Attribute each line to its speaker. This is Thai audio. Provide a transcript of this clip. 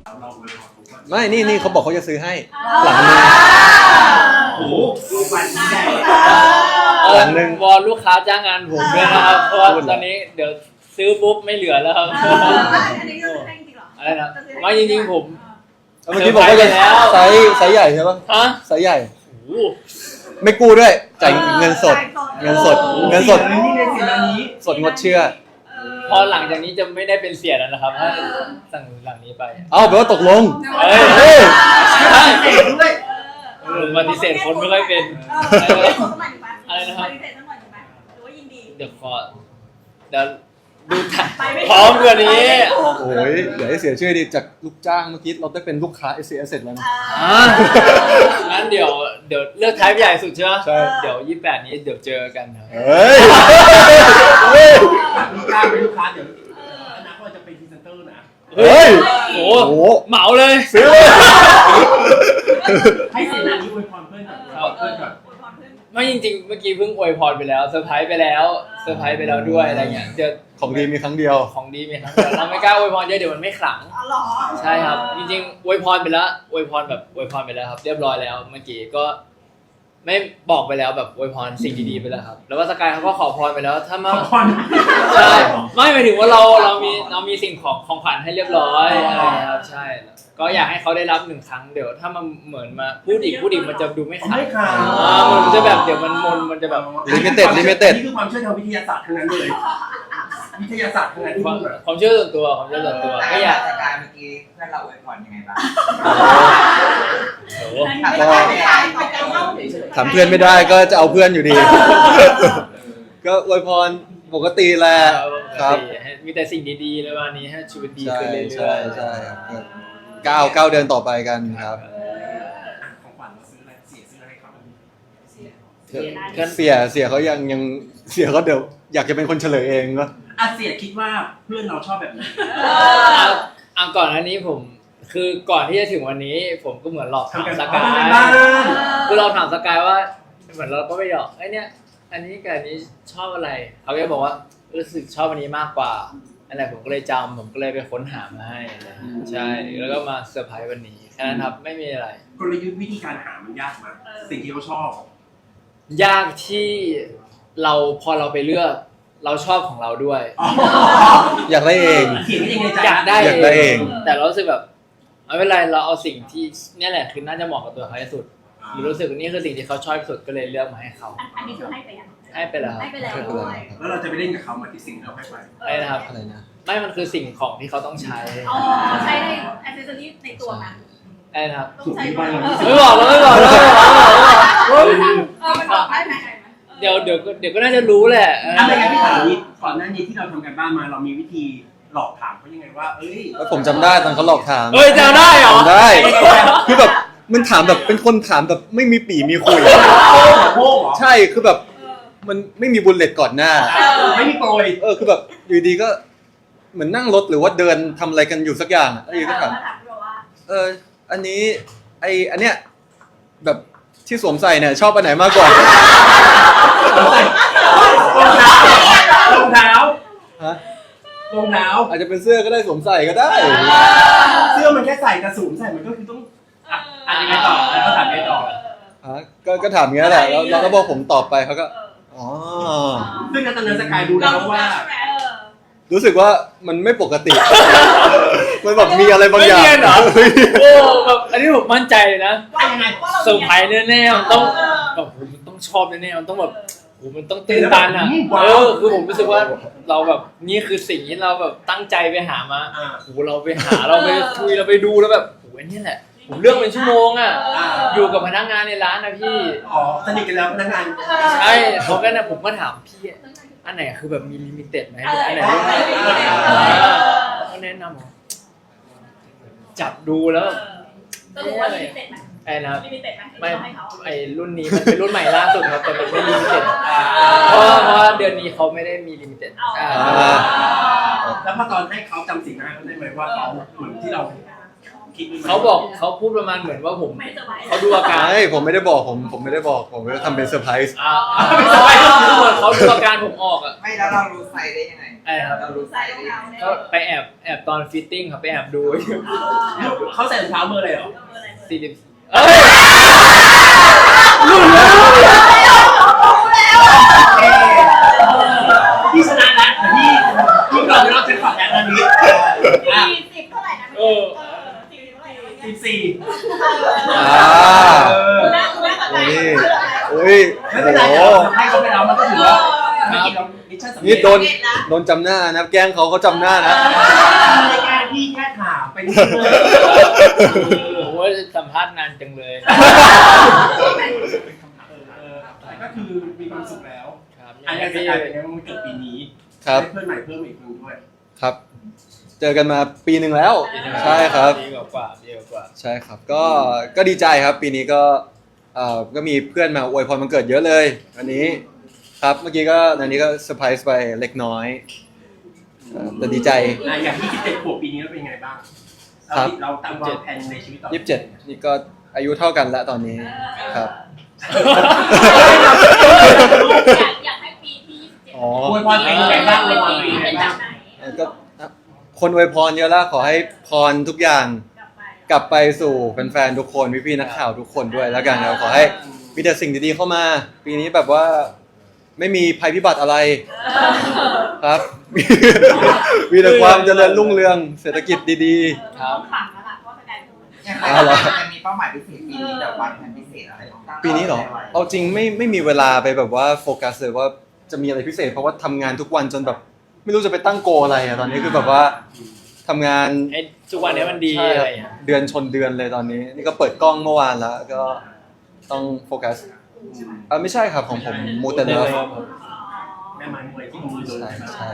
Speaker 1: เราเลยขอทุกคน
Speaker 2: ไม่นี่เขาบอกเขาจะซื้อให้หลังนึง
Speaker 1: โอ้โหดูวันนี้ใหญ่
Speaker 2: หลังนึง
Speaker 3: วอนลูกค้าจ้างงานผมด้วยนะครับเพราะว่าตอนนี้เดี๋ยวซื้อปุ๊บไม่เหลือแล้วครับ
Speaker 4: อันนี้ก็ซื้อให้จริงเหรอ
Speaker 3: อะไรนะไม่จริงๆผม
Speaker 2: เมื่อกี้บอกว่าจะไซส์ใหญ่ใช่ปะ
Speaker 3: ฮะ
Speaker 2: ไซส์ใหญ่
Speaker 3: โอ้โห
Speaker 2: ไม่กู้ด้วยจ่ายเงินสดเงินสด
Speaker 1: นี่ในสิ่งนี้
Speaker 2: สดงดเชื่อ
Speaker 3: พอหลังจากนี้จะไม่ได้เป็นเสียแล้วนะครับถ้าสั่งหลังนี้ไป
Speaker 2: เอาแปลว่าตกลง
Speaker 3: เฮ้ย
Speaker 2: เฮ้ย
Speaker 3: ใช่
Speaker 1: เด็กด้วย
Speaker 3: ปฏิเสธคนไม่ค่อยเป็น
Speaker 4: อะไรนะครับปฏิเสธทั้งหมดถูกไหมหรือว่ายินดี
Speaker 3: เดี๋ยวดูถ่ายพร้อมกว่านี้
Speaker 2: โอ้ยอย่าให้เสียชื่อดิจากลูกจ้างเมื่อกี้เราได้เป็นลูกค้า S S แล้วนะ
Speaker 3: งั้นเดี๋ยวเลือกท้ายใหญ่สุดใช่ไหม
Speaker 2: ใช่
Speaker 3: เดี๋ยว28นี้เดี๋ยวเจอกันครับ
Speaker 2: เฮ้ยเฮ้ย
Speaker 1: ลูกค้าเป็นลูกค้าเดี๋ยวอนาคตจะเป็นพรีเซนเตอร์นะ
Speaker 2: เฮ้ย
Speaker 3: โอ้
Speaker 2: โอ้โห
Speaker 3: เหมาเลย
Speaker 2: ซื้อเลย
Speaker 1: ให้เสียนานี้อวยพรเพื่อนก่อนเพื่อนก่อน
Speaker 3: ไม่จริงๆเมื่อกี้เพิ่งอวยพรไปแล้วเซอร์ไพรส์ไปแล้วด้วยอะไรเงี้ยเดี๋ยว
Speaker 2: ของดีมีครั้งเดียว
Speaker 3: ของดีมีทั้งเดียวเราไม่กล้าอวยพรเยอะเดี๋ยวมันไม่ขลัง
Speaker 4: อ๋อเหรอ
Speaker 3: ใช่ครับจริงๆอวยพรไปแล้วอวยพรไปแล้วครับ เรียบร้อยแล้วเมื่อกี้ก็ไม่บอกไปแล้วแบบอวยพรสิ่งดีๆไปแล้วครับแล้วว่าสกายเขาก็ขอพรไปแล้วถ้ามา
Speaker 1: ขอพร
Speaker 3: ใช่ไม่หมายถึงว่าเรามีสิ่งของขวัญให้เรียบร้อยอะไรครับใช่ก็อยากให้เขาได้รับหนึ่งครั้งเดี๋ยวถ้ามันเหมือนมาพูดอีกมันจะดูไม่ขลัง
Speaker 1: ไม่ค่ะ
Speaker 3: มันจะแบบเดี๋ยวมันจะแบบ
Speaker 2: Limited
Speaker 1: นี่คือความเชื่อทางวิทยาศาสตร์ทั้งนั้นเลยวิทยาศาสตร์ทั้งนั้นที่พูดแบบ
Speaker 3: ความเชื่อส่วนตัวก็อยาก
Speaker 5: สกายเมื่อกี้เพื่อนเราอวยพรยังไงบ้าง
Speaker 3: โอ้โห
Speaker 2: ถามเพื่อนไม่ได้ก็จะเอาเพื่อนอยู่ดี ก็อวยพรปกติแหละครับ
Speaker 3: มีแต่สิ่งดีๆเลยวันนี้ให้ชีวิตดี
Speaker 2: ใช่
Speaker 3: ขึ้นเรื่อยๆ
Speaker 2: ใช่ครับก้าวเดินต่อไปกันครับ
Speaker 1: ของขวัญเราซื้ออะไรซื้ออะไรให้เขา
Speaker 2: เสียเขายังเสียเขาเดี๋ยวอยากจะเป็นคนเฉลยเองก็
Speaker 1: เสียคิดว่าเพื่อนเราชอบแบบไหน
Speaker 3: ก่อนอันนี้ผมคือก่อนที่จะถึงวันนี้ ผมก็เหมือนหลอกถามสกาย
Speaker 1: บ้าน
Speaker 3: คือเราถามสกายว่าเหมือนเราก็ไปหยอกไอ้เนี่ยอันนี้กับอันนี้ชอบอะไรเขาก็บอกว่ารู้สึกชอบอันนี้มากกว่าอะไรผมก็เลยจำผมก็เลยไปค้นหามาให้อะไรใช่แล้วก็มาเซอร์ไพรส์วันนี้แค่นั้นครับไม่มีอะไร
Speaker 1: กลยุทธ์วิธีการหามันยากมากสิ่งที่เขาชอบ
Speaker 3: ยากที่พอเราไปเลือกเราชอบของเราด้วย
Speaker 2: อยากได้เอง
Speaker 1: เขียนยังไงใจ
Speaker 3: อยากได้
Speaker 2: อยากได้เอง
Speaker 3: แต่เรารู้สึกแบบไม่เป็นไรเราเอาสิ่งที่เนี่ยแหละคือน่าจะเหมาะกับตัวเขาที่สุดหรือรู้สึกว่านี่คือสิ่งที่เขาชอบที่สุดก็เลยเลือกมาให้เขา
Speaker 4: อันนี้คือให้ไปยัง
Speaker 3: ให้ไปแล้ว
Speaker 4: ให้ไปแล้วด้วย
Speaker 1: แล้วเราจะไปเล่นกับเขามาที่สิ่งที่เราให้ไป
Speaker 3: อะไรนะครับ
Speaker 2: อะไรนะ
Speaker 3: ไม่มันคือสิ่งของที่เขาต้องใช้
Speaker 4: อ๋อใช้ในแอคเซสซอรี่ในตัวนะ
Speaker 3: อะไรนะครับ
Speaker 4: ต้องใช้
Speaker 3: ไม่บอกแล้วไม่บอกแล้ว
Speaker 4: มันบอกได้ไหม
Speaker 3: เดี๋ยวก็น่าจะรู้แหละ
Speaker 1: อะไรกันพี่ถามนี้ก่อนหน้านี้ที่เราทำกันบ้านมาเรามีวิธีหลอกถามเขายังไงว่าเอ้ย
Speaker 2: แล้วผมจำได้ตอนเขาหลอกถาม
Speaker 3: เฮ้ยจำได้เหรอ
Speaker 2: จำได้ คือแบบมันถามแบบเป็นคนถามแบบไม่มีปีมีคุย
Speaker 1: โป้งเหรอ
Speaker 2: ใช่คือแบบมันไม่มีบุลเลตก่อนหน้า
Speaker 1: ไม่มีโปรย
Speaker 2: คือแบบอยู่ดีก็เหมือนนั่งรถหรือว่าเดินทำอะไรกันอยู่สักอย่างแล้วอยู่ก็ถาม อันนี้อันเนี้ยแบบที่สวมใส่เนี่ยชอบอันไหนมากกว่า
Speaker 1: รองเท้าร
Speaker 2: ฮะ
Speaker 1: รองเท้า
Speaker 2: อาจจะเป็นเสื้อก็ได้สวมใส่ก็ได้
Speaker 1: เสื้อมันแค่ใส่กระสุนใส่มันก็คือต้องยังไงต่อแล้วก็ถามไงต่อ
Speaker 2: ก็ถามอย่างนี้ยแหละแล้วเราก็บอกผมตอบไปเขาก็อ๋อ
Speaker 1: ซึ่งตอนนั้นสกายรู้แล้วว่า
Speaker 2: รู้สึกว่ามันไม่ปกติ มันแบบมีอะไรบางอย่าง
Speaker 3: ไม่เนียนเหรอ โอ้แบบอันนี้ผมมั่นใจเลยนะ
Speaker 1: ว่ายังไง
Speaker 3: เซอร์ไพรส์แน่ๆมันต้องแบบมันต้องชอบแน่ๆมันต้องแบบโอ้มันต้องตื่นตันอ่ะคือผมรู้สึกว่าเราแบบนี่คือสิ่งที่เราแบบตั้งใจไปหามาโอ้เราไปหาเราไปคุยเราไปดูแล้วแบบโอ้นี่แหละผมเลือกเป็นชั่วโมงอ่ะอยู่กับพนักงานในร้านนะพี่
Speaker 1: สนิทกันแล้วพนักงาน
Speaker 3: ใช่เขาก็นะผมก็ถามพี่อันไหนคือแบบมีลิมิเต็ดไหมอันไหนเขาแนะนำจับดูแล้ว
Speaker 4: สรุปว่าลิมิเต็ดไหม
Speaker 3: ไอ้นะ
Speaker 4: ลิมิเต็ดไหม
Speaker 3: ไม่ไอ้รุ่นนี้มันเป็นรุ่นใหม่ล่าสุดครับแต่มันไม่ลิมิเต็ดเพราะว่าเดือนนี้เขาไม่ได้มีลิมิเต็ด
Speaker 1: แล้วพอตอนให้เขาจำสีหน้าเขาได้ไหมว่าเขาเหมือนที่เราคิด
Speaker 3: เขาบอกเขาพูดประมาณเหมือนว่าผม
Speaker 4: ไม่สบาย
Speaker 3: เขาดูอาการ
Speaker 2: ผมไม่ได้บอกผมไม่ได้บอกผมก็ทำเป็นเซอร์ไพรส์
Speaker 3: ไม่สบายก็คือเหมือนเขาดูอาการผมออกอ่ะ
Speaker 5: ไม่แล้วเรารู้ไซส์ได้ยังไง
Speaker 3: ไอ้ครับ
Speaker 5: เรารู้
Speaker 4: ใส่รองเท้าเนี่ย
Speaker 3: ก็ไปแอบตอนฟิตติ้งครับไปแอบดู
Speaker 1: เขาใส่รองเท้าเบอร์อะไรเหรอ
Speaker 3: 40เอ้ย
Speaker 1: พี่ชนะแล้วแต่พี่ก่อนเราจะฝันแล้วตอนนี้อ่ะ
Speaker 4: 40เท่าไหร่นะ
Speaker 3: เออ
Speaker 4: 40เท่าไหร่นะ
Speaker 1: 14
Speaker 2: อ่า นี่อุ้ย
Speaker 1: ไม่เป็นไร
Speaker 2: โอ้
Speaker 1: เดี๋ยว
Speaker 2: โห
Speaker 1: ให้เขาไปแล้วมันก็ถือว่าไม่กินเรามิชชั่นสำเร็จ
Speaker 2: นี่โดนจำหน้านะแกล้งเขาจำหน้านะ
Speaker 1: รายการพี่แค่ถามไปนิดนึง
Speaker 3: โอ้โหสัมภาษณ์นานจังเลย
Speaker 1: แต่ก็คือมีความสุขแล้ว
Speaker 3: ครับ
Speaker 1: อันนี้จะกลายเป็นว่ามันเกิดปีนี้
Speaker 2: ครับ
Speaker 1: ได้เพื่อนใหม่เพิ่มอีกคนด้วย
Speaker 2: ครับ เจอกันมาปีหนึ่งแล้ว ใช่ครับ
Speaker 3: ดีกว่าดีกว่า
Speaker 2: ใช่ครับ ก็ดีใจครับ ปีนี้ก็มีเพื่อนมาอวยพรวันเกิดเยอะเลยวันนี้ ครับ เมื่อกี้ก็อันนี้ก็เซอร์ไพรส์ไปเล็กน้อยแต่ดีใจ
Speaker 1: อย่างที่17 ขวบปีนี้เราเป็นยังไงบ้าง
Speaker 2: ครับ
Speaker 1: เราตั้งวางแผนในชีวิตต่อ
Speaker 2: 27นี่ก็อายุเท่ากันแล้วตอนนี้ครับ
Speaker 4: อยากให้ปีที่27
Speaker 2: อ๋อ
Speaker 1: อวยพรเป็นยังไงบ้างอวยพรเป็นยังไงบ้าง
Speaker 2: ก็คนอวยพรเยอะแล้วขอให้พรทุกอย่างกลับไปสู่แฟนๆทุกคนพี่ๆนักข่าวทุกคนด้วยแล้วกันครับขอให้มีแต่สิ่งดีๆเข้ามา ปีนี้แบบว่าไม่มีภัยพิบัติอะไรครับ มีแต่ความเจริญรุ่งเรืองเศรษฐกิจดี
Speaker 3: ครับ
Speaker 4: ฝังแล้วล่ะเพราะแสดง
Speaker 5: ยังไงจะมีเป้าหมายพิเศษปีนี้แบบวางแผนพิเศษอะไรของตั้ง
Speaker 2: ๆ ปีนี้เหรอเอาจริงไม่มีเวลาไปแบบว่าโฟกัสเลยว่าจะมีอะไรพิเศษเพราะว่าทำงานทุกวันจนแบบ ไม่รู้จะไปตั้งโกอะไรอะตอนนี้คือแบบว่าทำงาน
Speaker 3: ให้ทุกวันนี้มันดี
Speaker 2: ใช่
Speaker 3: อะ
Speaker 2: ค
Speaker 3: ไร
Speaker 2: รับ
Speaker 3: อย่างเงี้ย
Speaker 2: เดือนชนเดือนเลยตอนนี้ นี่ก็เปิดกล้องเมื่อวานแล้ว ก็ต้องโฟกัสไม่ใช่ครับของผมมูเตเลิฟ
Speaker 1: แม่ไม้มวยที่มือโดน
Speaker 2: ใช่
Speaker 1: ใช่ไหม
Speaker 2: ใช่